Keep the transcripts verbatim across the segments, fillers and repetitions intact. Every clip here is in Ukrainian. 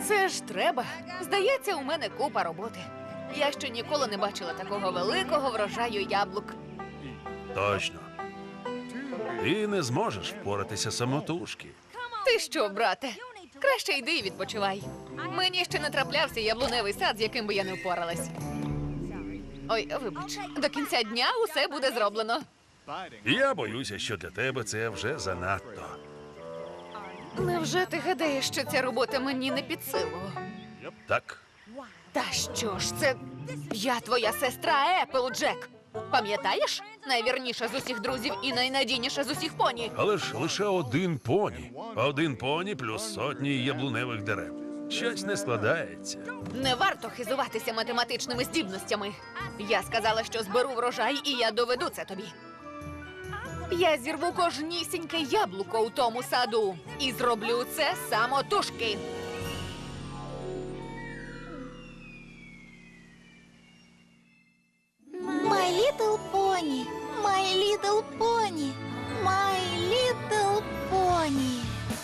Це ж треба. Здається, у мене купа роботи. Я ще ніколи не бачила такого великого врожаю яблук. Точно. Ти не зможеш впоратися самотужки. Ти що, брате? Краще йди і відпочивай. Мені ще не траплявся яблуневий сад, з яким би я не впоралась. Ой, вибач, до кінця дня усе буде зроблено. Я боюся, що для тебе це вже занадто. Невже ти гадаєш, що ця робота мені не під силу? Так? Та що ж це? Я твоя сестра Еплджек. Пам'ятаєш? Найвірніша з усіх друзів і найнадійніша з усіх поні. Але ж лише один поні. Один поні плюс сотні яблуневих дерев. Щось не складається. Не варто хизуватися математичними здібностями. Я сказала, що зберу врожай, і я доведу це тобі. Я зірву кожнісіньке яблуко у тому саду. І зроблю це самотужки. My Little Pony, My Little Pony, My Little Pony.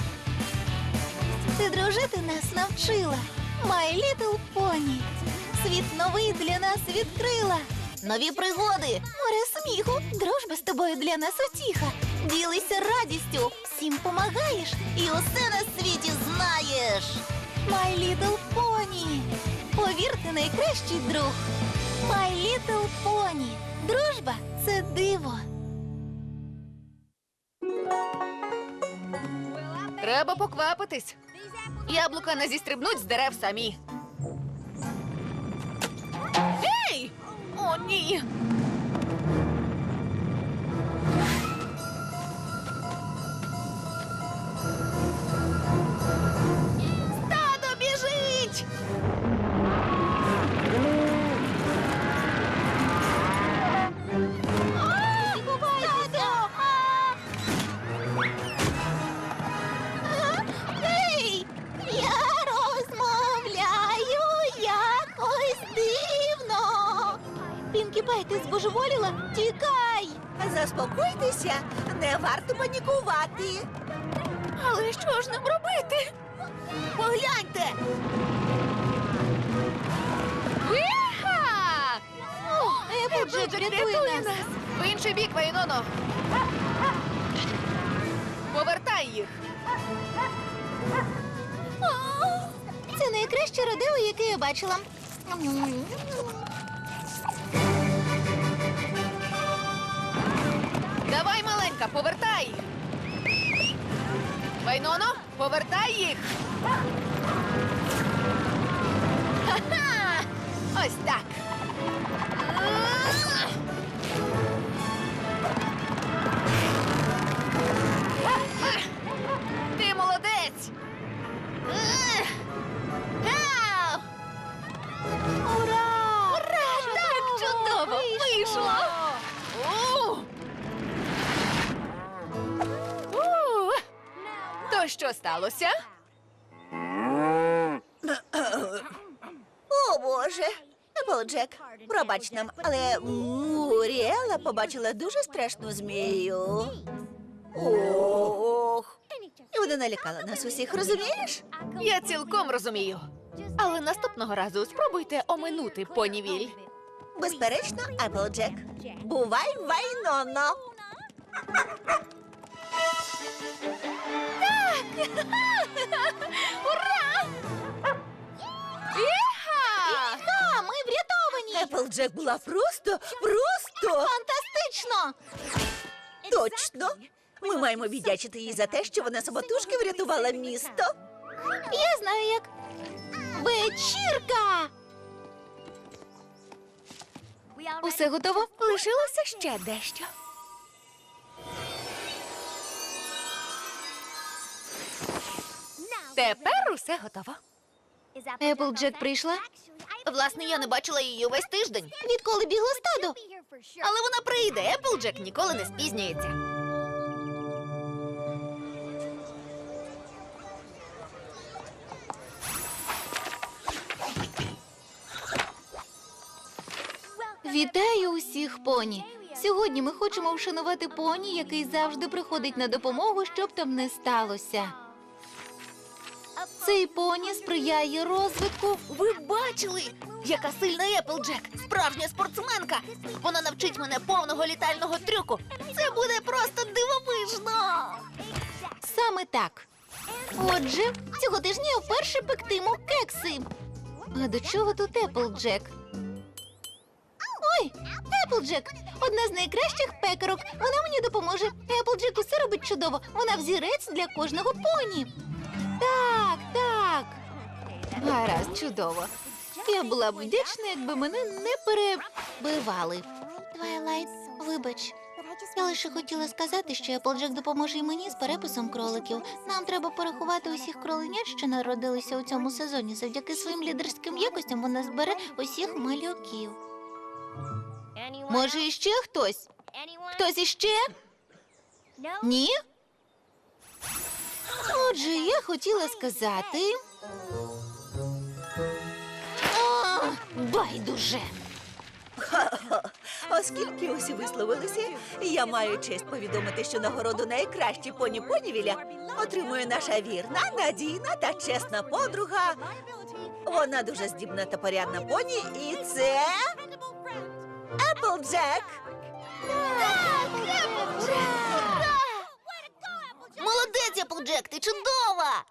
Ти дружити нас навчила, My Little Pony. Світ новий для нас відкрила. Нові пригоди, море сміху, дружба з тобою для нас утіха. Ділися радістю, всім помагаєш і усе на світі знаєш. My Little Pony, повірте, найкращий друг. My Little Pony. Дружба – це диво. Треба поквапитись. Яблука не зістрибнуть з дерев самі. Ей! О, ні! Стадо біжить! Ей! Я розмовляю якось дивно. Пінкі Пай, ти збожеволіла? Тікай! Заспокойтеся, не варто панікувати. Але що ж нам робити? Погляньте! Віха! Еплджек, рятуй нас! В інший бік, Вайноно! Повертай їх! Це найкраще родео, яке я бачила. Давай, маленька, повертай! Вайноно, повертай їх! Ха-ха! Ось так! Ти молодець! Ау! Ура! Ура! Так чудово! Вийшло! У! У! То що сталося? О, Боже! Еплджек, пробач нам, але Муріела побачила дуже страшну змію. Ох! І вона налякала нас усіх, розумієш? Я цілком розумію. Але наступного разу спробуйте оминути понівіль. Безперечно, Еплджек. Бувай, Вайноно! Ура! Іха! Та, ми врятовані! Еплджек була просто, просто Фантастично! точно! Ми маємо віддячити їй за те, що вона самотужки врятувала місто. Я знаю як. Вечірка! Усе готово? Лишилося ще дещо. Тепер усе готово. Еплджек прийшла? Власне, я не бачила її увесь тиждень. Відколи бігло стадо? Але вона прийде. Еплджек ніколи не спізнюється. Вітаю усіх, поні! Сьогодні ми хочемо вшанувати поні, який завжди приходить на допомогу, щоб там не сталося. Цей поні сприяє розвитку. Ви бачили, яка сильна Еплджек, справжня спортсменка. Вона навчить мене повного літального трюку. Це буде просто дивовижно. Саме так. Отже, цього тижня я вперше пектиму кекси. А до чого тут Еплджек? Ой, Еплджек! Одна з найкращих пекарок. Вона мені допоможе. Еплджек усе робить чудово. Вона взірець для кожного поні. Так, так. Гаразд, чудово. Я була б вдячна, якби мене не перебивали. Твайлайт, вибач. Я лише хотіла сказати, що Еплджек допоможе й мені з переписом кроликів. Нам треба порахувати усіх кроленят, що народилися у цьому сезоні. Завдяки своїм лідерським якостям вона збере усіх малюків. Може, іще хтось? Хтось іще? Ні? Отже, я хотіла сказати. А, байдуже. Оскільки усі висловилися, я маю честь повідомити, що нагороду найкращі поні Понівіля отримує наша вірна, надійна та чесна подруга. Вона дуже здібна та порядна поні, і це Еплджек. Молодець, Еплджек, ти чудова!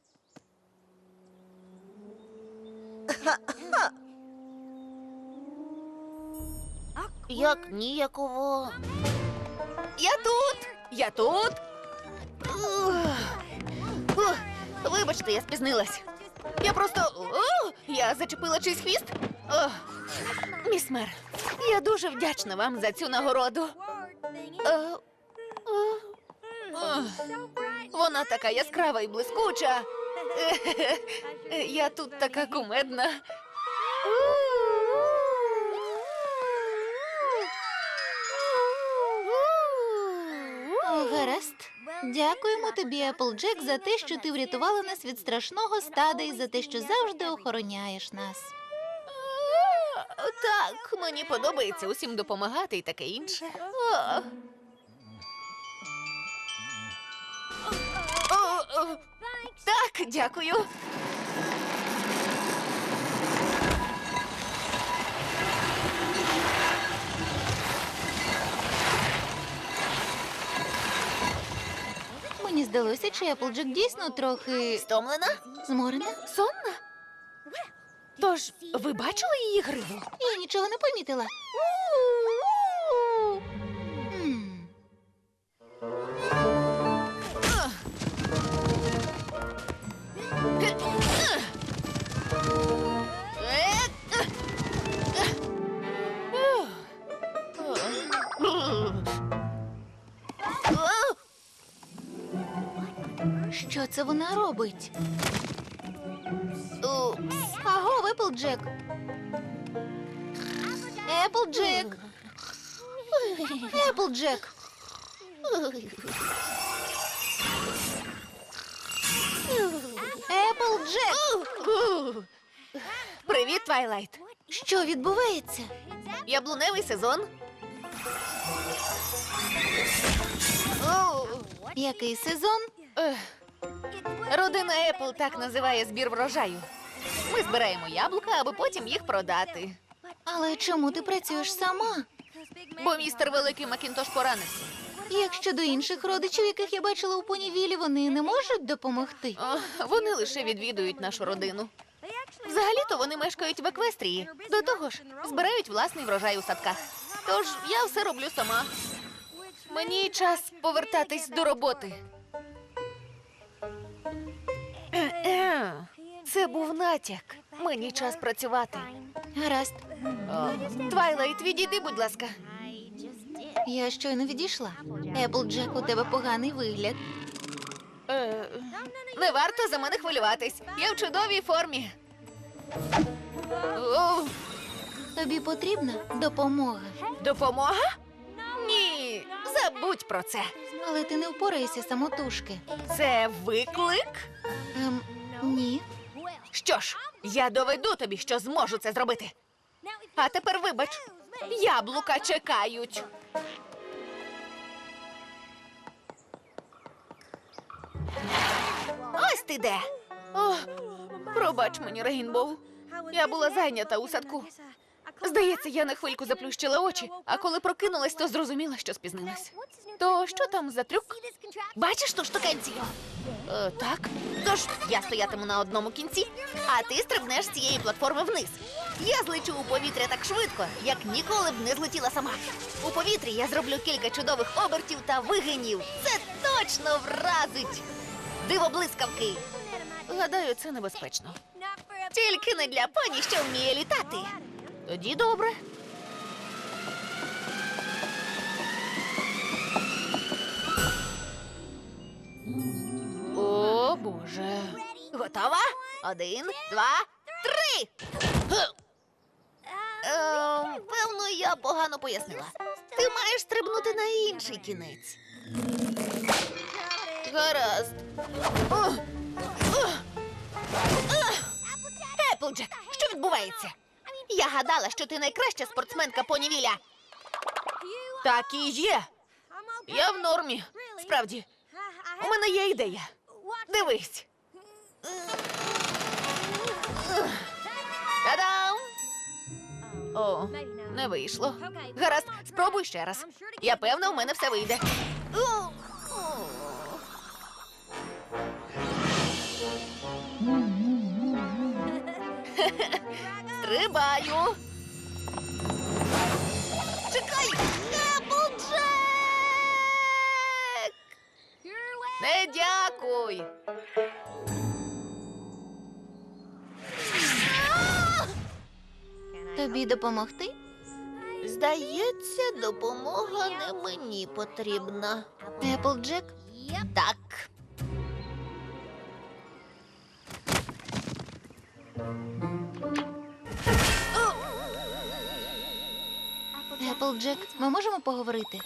Як ніяково. Я тут! Я тут! Ух. Ух. Вибачте, я спізнилась. Я просто. О, я зачепила чийсь хвіст. О. Міс Мер, я дуже вдячна вам за цю нагороду. Е, е, е. Вона така яскрава і блискуча. Е, Я тут така кумедна. О, гаразд. Дякуємо тобі, Еплджек, за те, що ти врятувала нас від страшного стада і за те, що завжди охороняєш нас. Так, мені подобається усім допомагати і таке інше. О. О, о, Так, дякую. Мені здалося, чи Еплджек дійсно трохи Стомлена? зморена. Сонна? Тож, ви бачили її гриву? Я нічого не помітила. М. Що це вона робить? Упс. Аго, Еплджек. Еплджек. Еплджек. Еплджек. Привіт, Твайлайт. Що відбувається? Яблуневий сезон. О, Який сезон? ех. Родина Епл так називає збір врожаю. Ми збираємо яблука, аби потім їх продати. Але чому ти працюєш сама? Бо містер Великий Макінтош поранився. Як щодо інших родичів, яких я бачила у понівілі, вони не можуть допомогти? О, вони лише відвідують нашу родину. Взагалі-то вони мешкають в Еквестрії. До того ж, збирають власний врожай у садках. Тож я все роблю сама. Мені час повертатись до роботи. Е-е, Це був натяк. Мені час працювати. Гаразд. О, Твайлайт, відійди, будь ласка. Я щойно відійшла. Еплджек, у тебе поганий вигляд. Е, не варто за мене хвилюватись. Я в чудовій формі. О, Тобі потрібна допомога. допомога? Ні, забудь про це. Але ти не впораєшся самотужки. Це виклик? Ем, ні. Що ж, я доведу тобі, що зможу це зробити. А тепер вибач, яблука чекають. Ось ти де. О, пробач мені, Рейнбоу. Я була зайнята у садку. Здається, я на хвильку заплющила очі, а коли прокинулась, то зрозуміла, що спізнилась. То що там за трюк? Бачиш ту штукенцію? Е, так. Тож я стоятиму на одному кінці, а ти стрибнеш з цієї платформи вниз. Я злечу у повітря так швидко, як ніколи б не злетіла сама. У повітрі я зроблю кілька чудових обертів та вигинів. Це точно вразить! Диво блискавки! Гадаю, це небезпечно. Тільки не для поні, що вміє літати. Тоді добре. О, Боже. Готова? Один, два, три. Ге. Ем, певно, я погано пояснила. Ти маєш стрибнути на інший кінець. Гаразд. О! О! О! Еплджек, що відбувається? Я гадала, що ти найкраща спортсменка понівіля. Так і є. Я в нормі. Справді. У мене є ідея. Дивись. Та-дам! О, не вийшло. Гаразд, спробуй ще раз. Я певна, у мене все вийде. О! Стрибаю. Чекай! Еплджек! Не дякуй. Тобі допомогти? Здається, допомога не мені потрібна. Еплджек? Так. Еплджек, ми можемо поговорити?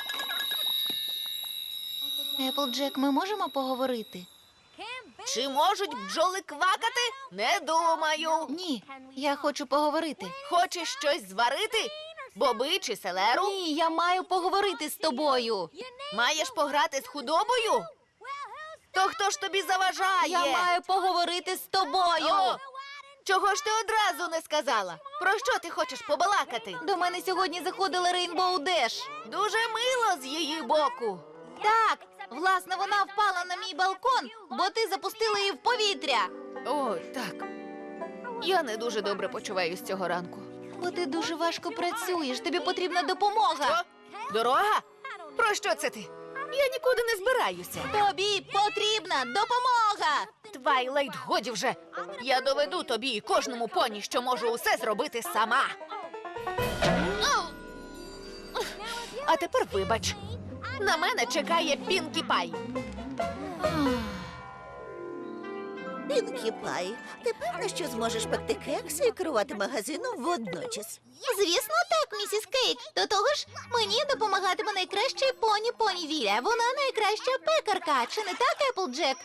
Еплджек, ми можемо поговорити? Чи можуть бджоли квакати? Не думаю. Ні, я хочу поговорити. Хочеш щось зварити? Боби чи селеру? Ні, я маю поговорити з тобою. Маєш пограти з худобою? То хто ж тобі заважає? Я маю поговорити з тобою. О, чого ж ти одразу не сказала? Про що ти хочеш побалакати? До мене сьогодні заходила Рейнбоу Деш. Дуже мило з її боку. Так, власне, вона впала на мій балкон, бо ти запустила її в повітря. О, так. Я не дуже добре почуваюсь цього ранку. Бо ти дуже важко працюєш, тобі потрібна допомога. Що? Дорога? Про що це ти? Я нікуди не збираюся. Тобі потрібна допомога. Твайлайт, годі вже. Я доведу тобі і кожному поні, що можу усе зробити сама. А тепер вибач. На мене чекає Пінкі Пай. Пінкі Пай, ти певна, що зможеш пекти кекси і керувати магазином водночас? Звісно, так, місіс Кейк. До того ж, мені допомагатиме найкраща поні Понівіля. Вона найкраща пекарка. Чи не так, Еплджек?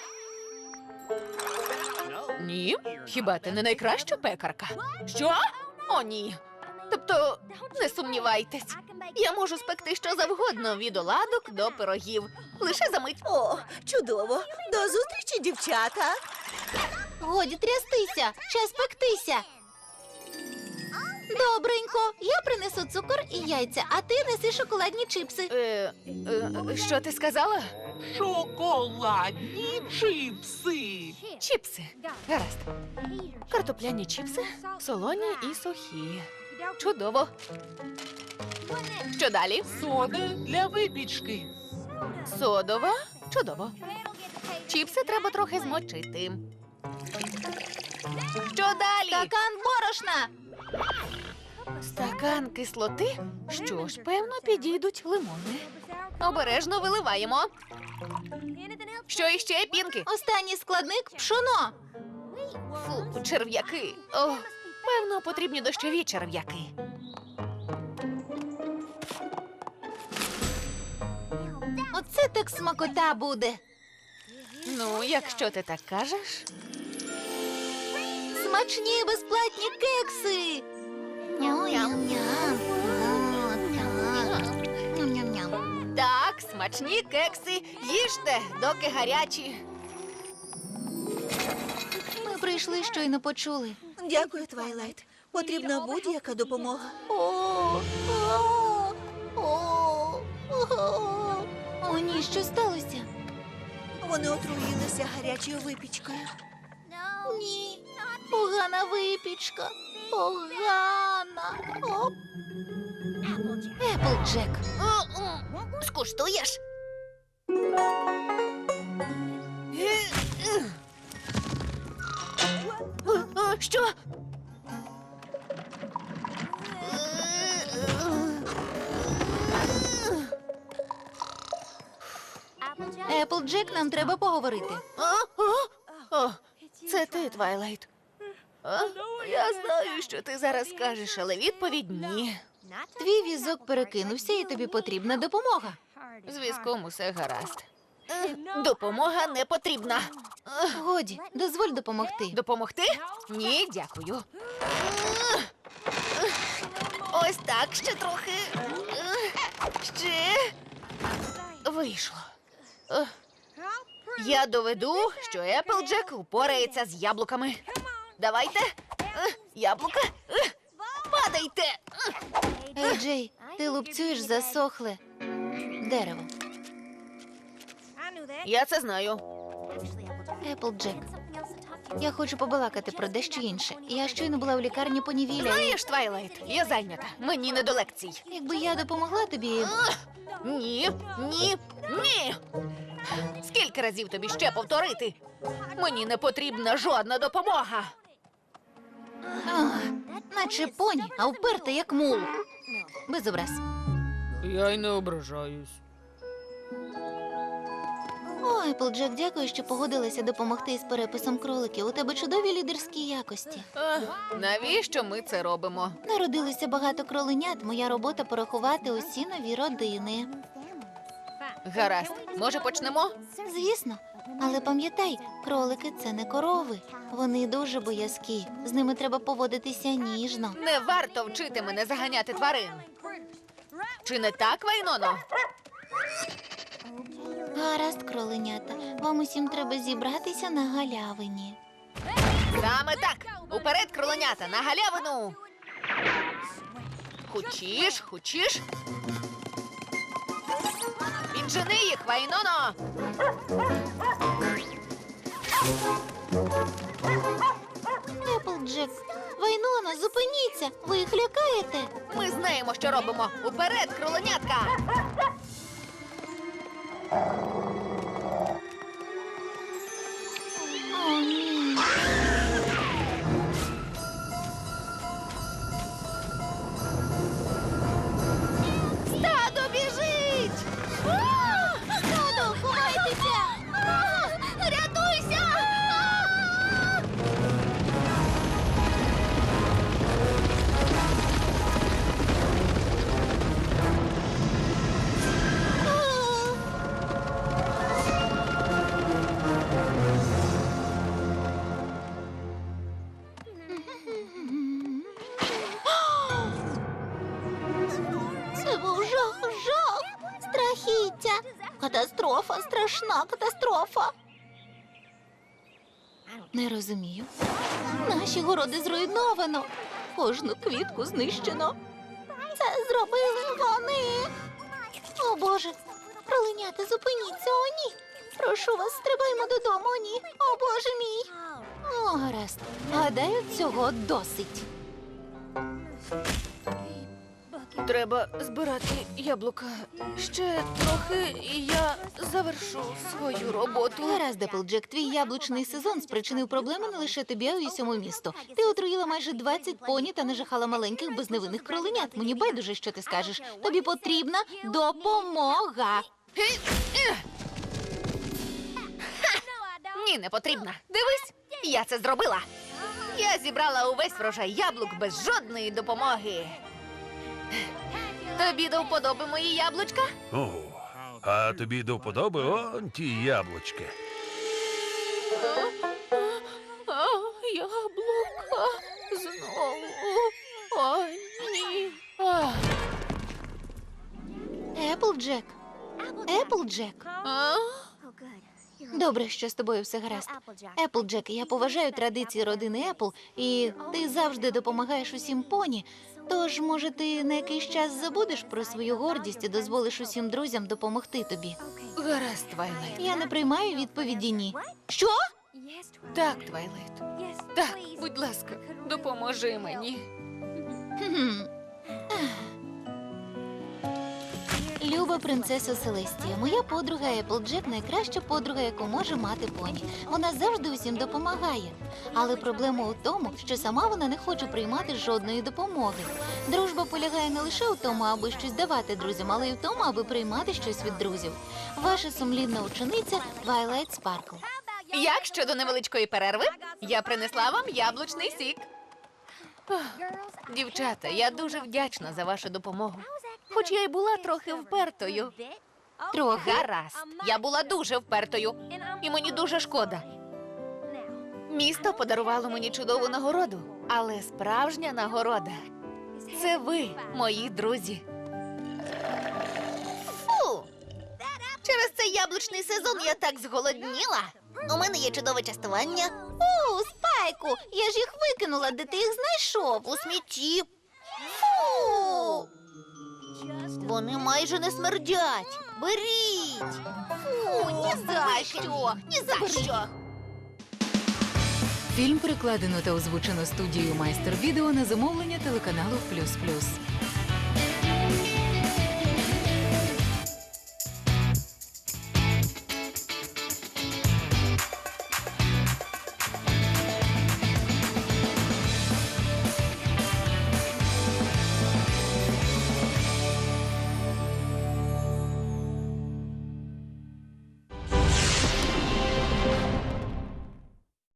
Ні, хіба ти не найкраща пекарка? Що? О, ні. Тобто, не сумнівайтесь. Я можу спекти що завгодно, від оладок до пирогів. Лише за мить. О, чудово! До зустрічі, дівчата! Годі трястися, час пектися. Добренько, я принесу цукор і яйця, а ти неси шоколадні чипси. Е, е, що ти сказала? Шоколадні чипси. Чіпси. Гаразд. Картопляні чіпси, солоні і сухі. Чудово. Що далі? Сода для випічки. Содова. Чудово. Чіпси треба трохи змочити. Що далі? Стакан борошна. Стакан кислоти? Що ж, певно, підійдуть лимони. Обережно виливаємо. Що іще, Пінки? Останній складник пшоно. Фу, черв'яки. О, певно, потрібні дощові черв'яки. Оце так смакота буде. Ну, якщо ти так кажеш. Смачні безплатні кекси. Ням-ням-ням. О, так. Ням-ням-ням. Так, смачні кекси. Їжте, доки гарячі. прийшли, щойно почули. Дякую, Твайлайт. Потрібна будь-яка допомога. О, о, о, о. О, ні, що сталося? Вони отруїлися гарячою випічкою. Ні, погана випічка. Погана. Оп. Еплджек. Скуштуєш? Що? Еплджек, нам треба поговорити. О, це ти, Твайлайт. А? Я знаю, що ти зараз скажеш, але відповідь ні. Твій візок перекинувся, і тобі потрібна допомога. З візком усе гаразд. Е, Допомога не потрібна. Годі, дозволь допомогти. Допомогти? Ні, дякую. Ось так, ще трохи. Ще. Вийшло. Е, Я доведу, що Еплджек упорається з яблуками. Давайте. Е, Яблука. Е, Падайте. Ей, Джей, ти лупцюєш засохле дерево. Я це знаю. Еплджек, я хочу побалакати про дещо інше. Я щойно була в лікарні понівіля. і Знаєш, Твайлайт, я зайнята. Мені не до лекцій. Якби я допомогла тобі. Ні, ні, ні. Скільки разів тобі ще повторити? Мені не потрібна жодна допомога. Ах, наче поні, а вперта як мул. Без образ. Я й не ображаюсь. О, Еплджек, дякую, що погодилася допомогти із переписом кроликів. У тебе чудові лідерські якості. Навіщо ми це робимо? Народилося багато кроленят. Моя робота порахувати усі нові родини. Гаразд, може почнемо? Звісно, але пам'ятай, кролики – це не корови. Вони дуже боязкі. З ними треба поводитися ніжно. Не варто вчити мене заганяти тварин. Чи не так, Вайноно? Гаразд, кроленята. Вам усім треба зібратися на галявині. Саме так. Уперед, кроленята, на галявину. Хочеш, хочеш? Віджени їх, Вайноно. Еплджек, Вайнона, зупиніться! Ви їх лякаєте? Ми знаємо, що робимо. Уперед, кроленятка. О, ні. Стадо біжить! Стадо, ховайтеся! Рятуйся! Це був жах, жах, страхіття. Катастрофа, страшна катастрофа. Не розумію. Наші городи зруйновано. Кожну квітку знищено. Це зробили вони. О, Боже. Кроленята, зупиніться, о, ні. Прошу вас, стрибаймо додому, о, ні. О, Боже мій. О, гаразд. Гадаю, цього досить. Треба збирати яблука. Ще трохи, і я завершу свою роботу. Гаразд, Еплджек, твій яблучний сезон спричинив проблеми не лише тобі, а й усьому місту. Ти отруїла майже двадцять поні та нажахала маленьких безневинних кроленят. Мені байдуже, що ти скажеш. Тобі потрібна допомога. Ні, не потрібна. Дивись, я це зробила. Я зібрала увесь врожай яблук без жодної допомоги. Тобі до вподоби мої яблучка? О, а тобі до вподоби он ті яблучки. А, яблука знову. Ой, ні. А, Еплджек. Еплджек. а? Добре, що з тобою все гаразд. Еплджек, я поважаю традиції родини Епл, і ти завжди допомагаєш усім поні. Тож, може, ти на якийсь час забудеш про свою гордість і дозволиш усім друзям допомогти тобі. Гаразд, Твайлайт. Я не приймаю відповіді ні. Що? Так, Твайлайт. Так, будь ласка, допоможи мені. Хм. Люба принцесо Селестія, моя подруга Еплджек найкраща подруга, яку може мати поні. Вона завжди усім допомагає. Але проблема у тому, що сама вона не хоче приймати жодної допомоги. Дружба полягає не лише у тому, аби щось давати друзям, але й в тому, аби приймати щось від друзів. Ваша сумлінна учениця Твайлайт Спаркл. Як щодо невеличкої перерви? Я принесла вам яблучний сік. Ох, Дівчата, я дуже вдячна за вашу допомогу. Хоч я й була трохи впертою. Трохи. Гаразд, я була дуже впертою. І мені дуже шкода. Місто подарувало мені чудову нагороду, але справжня нагорода – це ви, мої друзі. Фу! Через цей яблучний сезон я так зголодніла. У мене є чудове частування. О, Спайку! Я ж їх викинула, де ти їх знайшов? У смітті. Фу! Вони майже не смердять. Беріть! Фу, ні за що! Ні за що! Фільм перекладено та озвучено студією Майстер Відео на замовлення телеканалу Плюс Плюс.